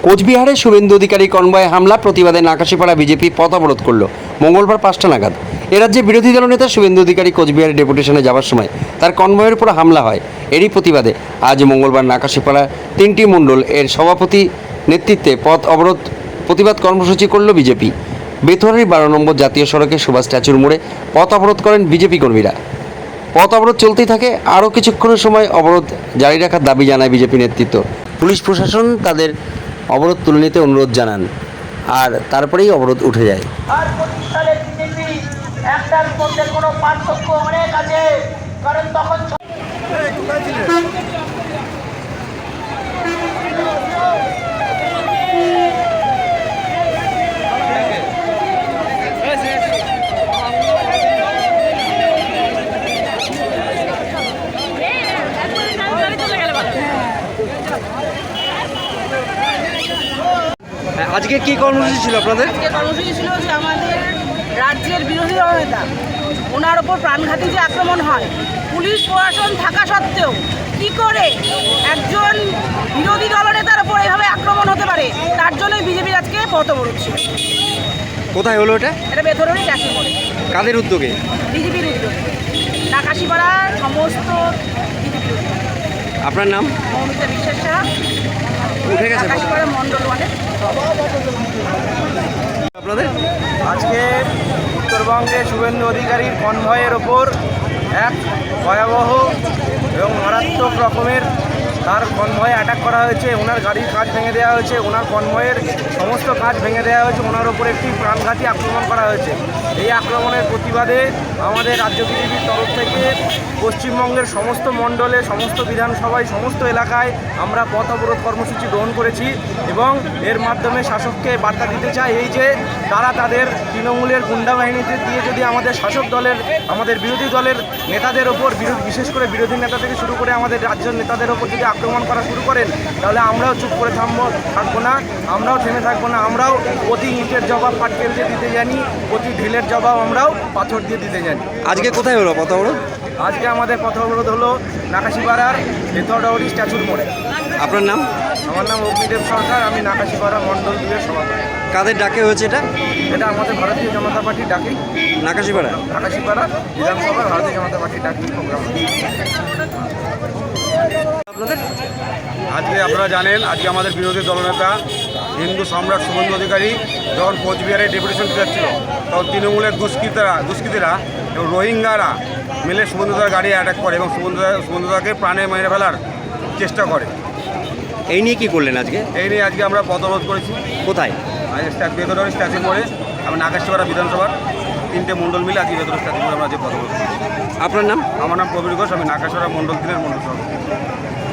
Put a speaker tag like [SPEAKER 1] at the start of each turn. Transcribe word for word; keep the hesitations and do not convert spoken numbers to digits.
[SPEAKER 1] কোচবিহারে শুভেন্দু অধিকারী কনভয়ে হামলা প্রতিবাদে নাকাশিপাড়া বিজেপি পথ অবরোধ করল মঙ্গলবার পাঁচটা নাগাদ। এ রাজ্যে বিরোধী দলনেতা শুভেন্দু অধিকারী কোচবিহারে ডেপুটেশনে যাওয়ার সময় তার কনভয়ের উপর হামলা হয়। এরই প্রতিবাদে আজ মঙ্গলবার নাকাশিপাড়া তিনটি মণ্ডল এর সভাপতি নেতৃত্বে পথ অবরোধ প্রতিবাদ কর্মসূচি করল বিজেপি। বেথুয়ারির বারো নম্বর জাতীয় সড়কে সুভাষ স্ট্যাচুর মোড়ে পথ অবরোধ করেন বিজেপি কর্মীরা। পথ অবরোধ চলতেই থাকে। আরও কিছুক্ষণের সময় অবরোধ জারি রাখার দাবি জানায় বিজেপি নেতৃত্ব। পুলিশ প্রশাসন তাদের অবরোধ তুলে নিতে অনুরোধ জানান, আর তারপরেই অবরোধ উঠে যায়।
[SPEAKER 2] আর পঁচিশ সালের বিজেপি একটার মধ্যে কোনো পার্থক্য অনেক আছে, কারণ তখন
[SPEAKER 1] আজকে কি কর্মসূচি ছিল আপনাদের?
[SPEAKER 3] আজকে কর্মসূচি ছিল যে আমাদের রাজ্যের বিরোধী দলনেতা ওনার ওপর প্রাণঘাতী যে আক্রমণ হয়, পুলিশ প্রশাসন থাকা সত্ত্বেও কি করে একজন বিরোধী দলনেতার ওপর এভাবে আক্রমণ হতে পারে, তার জন্যই বিজেপির আজকে পথ অবরোধ ছিল।
[SPEAKER 1] কোথায় হলো এটা?
[SPEAKER 3] এটা বেথরণী চাকরি করে
[SPEAKER 1] কাদের উদ্যোগে?
[SPEAKER 3] বিজেপির উদ্যোগে, নাকাশিপাড়ার সমস্ত বিজেপির উদ্যোগে।
[SPEAKER 1] আপনার নাম?
[SPEAKER 3] মৌমিতা বিশ্বাস সাহা,
[SPEAKER 1] উঠে গেছে
[SPEAKER 3] নাকাশিপাড়া মণ্ডল ওয়ানের।
[SPEAKER 1] আপনাদের
[SPEAKER 4] আজকে উত্তরবঙ্গে শুভেন্দু অধিকারীর কনভয়ের ওপর এক ভয়াবহ এবং মারাত্মক রকমের তার কনভয়ে অ্যাটাক করা হয়েছে। ওনার গাড়ির কাঁচ ভেঙে দেওয়া হয়েছে, ওনার কনভয়ের সমস্ত কাঁচ ভেঙে দেওয়া হয়েছে, ওনার ওপর একটি প্রাণঘাতী আক্রমণ করা হয়েছে। এই আক্রমণের প্রতিবাদে আমাদের রাজ্য বিজেপির তরফ থেকে পশ্চিমবঙ্গের সমস্ত মণ্ডলে, সমস্ত বিধানসভায়, সমস্ত এলাকায় আমরা পথ অবরোধ কর্মসূচি গ্রহণ করেছি এবং এর মাধ্যমে শাসককে বার্তা দিতে চাই এই যে তারা তাদের তৃণমূলের গুন্ডা বাহিনীতে দিয়ে যদি আমাদের শাসক দলের, আমাদের বিরোধী দলের নেতাদের ওপর, বিশেষ করে বিরোধী নেতা থেকে শুরু করে আমাদের রাজ্যের নেতাদের ওপর যদি আক্রমণ করা শুরু করেন, তাহলে আমরাও চুপ করে থামবো থাকবো না, আমরাও থেমে থাকবো না। আমরাও প্রতি ইটের জবাব পাটকেল দিয়ে দিতে জানি, প্রতি ঢিলের জবাব আমরাও পাথর দিয়ে দিতে জানি।
[SPEAKER 1] আজকে কোথায় হলো পথ অবরোধ?
[SPEAKER 4] আজকে আমাদের পথ অবরোধ হলো নাকাশিপাড়ার বেথরডাউরি স্ট্যাচুর মোড়ে।
[SPEAKER 1] আপনার নাম?
[SPEAKER 4] আমার নাম অগ্নিদেব সরকার, আমি নাকাশিপাড়া মণ্ডল দুইয়ের সভাপতি।
[SPEAKER 1] কাদের ডাকে হয়েছে এটা?
[SPEAKER 4] এটা আমাদের ভারতীয় জনতা পার্টির ডাকেই,
[SPEAKER 1] নাকাশিপাড়া
[SPEAKER 4] নাকাশিপাড়া বিধানসভার ভারতীয় জনতা পার্টির ডাকেই প্রোগ্রাম।
[SPEAKER 1] আপনাদের
[SPEAKER 4] আজকে আপনারা জানেন, আজকে আমাদের বিরোধী দলনেতা হিন্দু সম্রাট শুভেন্দু অধিকারী যখন কোচবিহারে ডেপুটেশন যাচ্ছিল, তখন তৃণমূলের দুষ্কৃতীরা দুষ্কৃতীরা এবং রোহিঙ্গারা মিলে শুভেন্দুদার গাড়ি অ্যাটাক করে এবং শুভেন্দুদা শুভেন্দুদাকে প্রাণে মেরে ফেলার চেষ্টা করে।
[SPEAKER 1] এই নিয়ে কি করলেন আজকে?
[SPEAKER 4] এই নিয়ে আজকে আমরা পথ অবরোধ করেছি।
[SPEAKER 1] কোথায়?
[SPEAKER 4] আজকে বেথরডাউরি স্ট্যাচু মোড়ে, আমি নাকাশিপাড়া বিধানসভার তিনটে মণ্ডল মিলে আজকে বেথরডাউরি স্ট্যাচু মোড়ে আমরা যে পথ অবরোধ করেছি।
[SPEAKER 1] আপনার নাম?
[SPEAKER 4] আমার নাম প্রবীর ঘোষ, আমি নাকাশিপাড়া মণ্ডল তিনের মণ্ডল সভাপতি।